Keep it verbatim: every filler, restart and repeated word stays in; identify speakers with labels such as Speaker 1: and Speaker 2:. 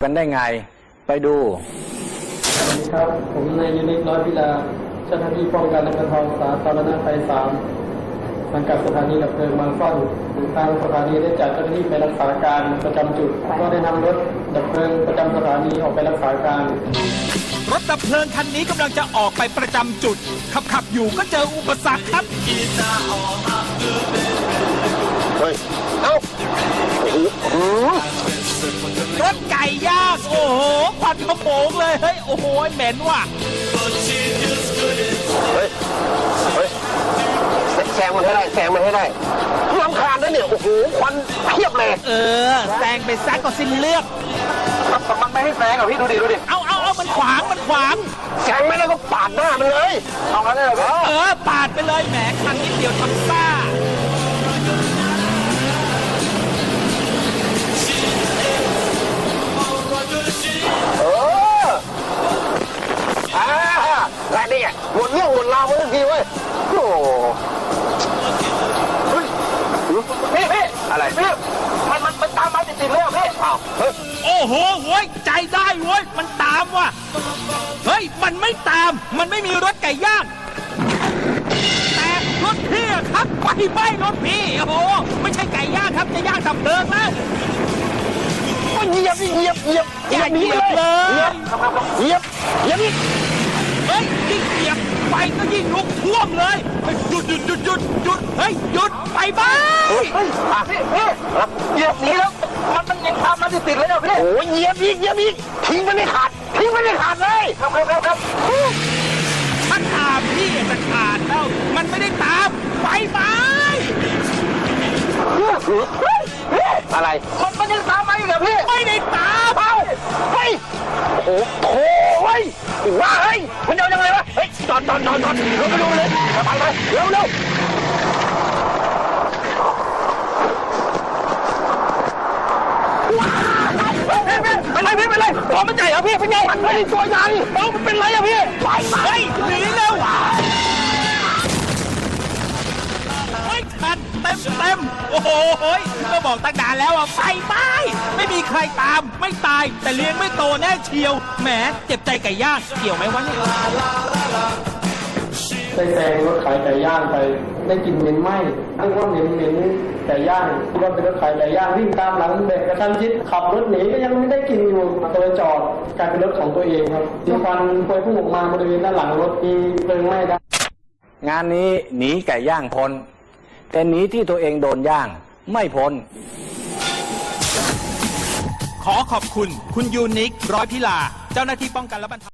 Speaker 1: กันได้ไงไปดู
Speaker 2: สวัสดีครับผมนายยูนิคร้อยพิลาเจ้าหน้าที่ป้องกันและบรรเทาสาธารณภัยสามสังกัดสถานีดับเพลิงบางซ่อนทางสถานีได้จัดเจ้าหน้าที่ไปรักษาการประจำจุดก็ได้นำรถดับเพลิงประจำสถานีออกไปรักษาการ
Speaker 3: รถดับเพลิงคันนี้กำลังจะออกไปประจำจุดขับขับอยู่ก็เจออุปสรรคครับ
Speaker 4: เฮ้ยเอ้าโอ้โห
Speaker 3: รถไก่ย่างโอ้โหควันขโมงเลยเฮ้ยโอ้โหเหม็นว่ะ
Speaker 4: เฮ้ยเฮ้ยแซงมันให้ได้แซงมันให้ได้รำคาญนะเนี่ยโอ้โหควันเพียบเลย
Speaker 3: เออแซงไปแซงก็สิ้นเลือด
Speaker 4: มันไม่ให้แซงอ่ะพี่ดูดิดูดิ
Speaker 3: เอาเอาเอามันขวางมันขวาง
Speaker 4: แซงไม่ได้ก็ปาดหน้ามันเลยเอางั้นเลยเหรอ
Speaker 3: เออปาดไปเลยแหมคันนิดเดียวทำซ่า
Speaker 4: เอออ่าอะไรเนี่ยหมดเรื่องหมดราวมาทันทีเว้ยโอ้เฮ้ยพี่พี่อะไรพี่มันมันมันตามมาติดๆเลยพี่อ้าวเฮ้ย
Speaker 3: โอ้โหโว้ยใจได้เว้ยมันตามว่ะเฮ้ยมันไม่ตามมันไม่มีรถไก่ย่างแต่รถพี่ครับไฟไหม้รถพี่โอ้โหไม่ใช่ไก่ย่างครับจะย่างดับเพลิงแล้ว
Speaker 4: เหยียบเหยียบเหยียบ
Speaker 3: อย่าเหยียบเลย
Speaker 4: เหยียบเหยียบอีก
Speaker 3: เฮ้ยยิ่งเหยียบไฟก็ยิ่งลุกท่วมเลยหยุดหยุดหยุดหยุดหยุดเฮ้ยหยุดไฟไหม้
Speaker 4: เฮ้ยพี่พี่เหยียบหนีแล้วมันมันยังตามมาติดๆเลยนะพี่โอ้ยเหยียบอีกเหยียบอีกทิ้งมันไม่ขาดทิ้งมันไม่ขาดเลยครับครับครับครับ
Speaker 3: ถ้าตามพี่จะขาดแล้วมันไม่ได้ตามไฟไหม้
Speaker 4: อะไรมันมันยังตามมาอีกเหรอพี่
Speaker 3: ไม่ได้ตาม
Speaker 4: เอ้าเฮ้ยโอ้โหเฮ้ยว่าเฮ้ยมันเอายังไงวะเฮ้ยจอดจอดจอดจอดเราไปดูเลยไปไปเร็วเร็วเป็นไรพี่เป็นไรตัวมันใหญ่เหรอพี่เป็นไงมันไม่ได้ตัวใหญ่เอ้ามันเป็นไรอะพี่ไปไป
Speaker 3: เฮ้ยหนีเร็วไม่ทันเต็มเต็มโอ้โหก็บอกตั้งนานแล้วอ่ะไฟไหม้ไม่มีใครตามไม่ตายแต่เลี้ยงไม่โตแน่เชียวแหมเจ็บใจไก่ย่างเกี่ยวไหมวะเนี่ย
Speaker 2: ได้แซงรถขายไก่ย่างไปได้กลิ่นเหม็นไหม้นึกว่าเหม็นเหม็นไก่ย่างคิดว่าเป็นรถขายไก่ย่างวิ่งตามหลังเด็กกระชั้นชิดขับรถหนีก็ยังไม่ได้กลิ่นอยู่ตัวจอดกลายเป็นรถของตัวเองครับที่ควันพวยพุ่งออกมาบริเวณด้านหลังรถมีเพลิงไหม้ได้
Speaker 1: งานนี้หนีไก่ย่างพ้นแต่หนีที่ตัวเองโดนย่างไม่พ้น
Speaker 3: ขอขอบคุณคุณยูนิคร้อยพิลาเจ้าหน้าที่ป้องกันและบรรเทา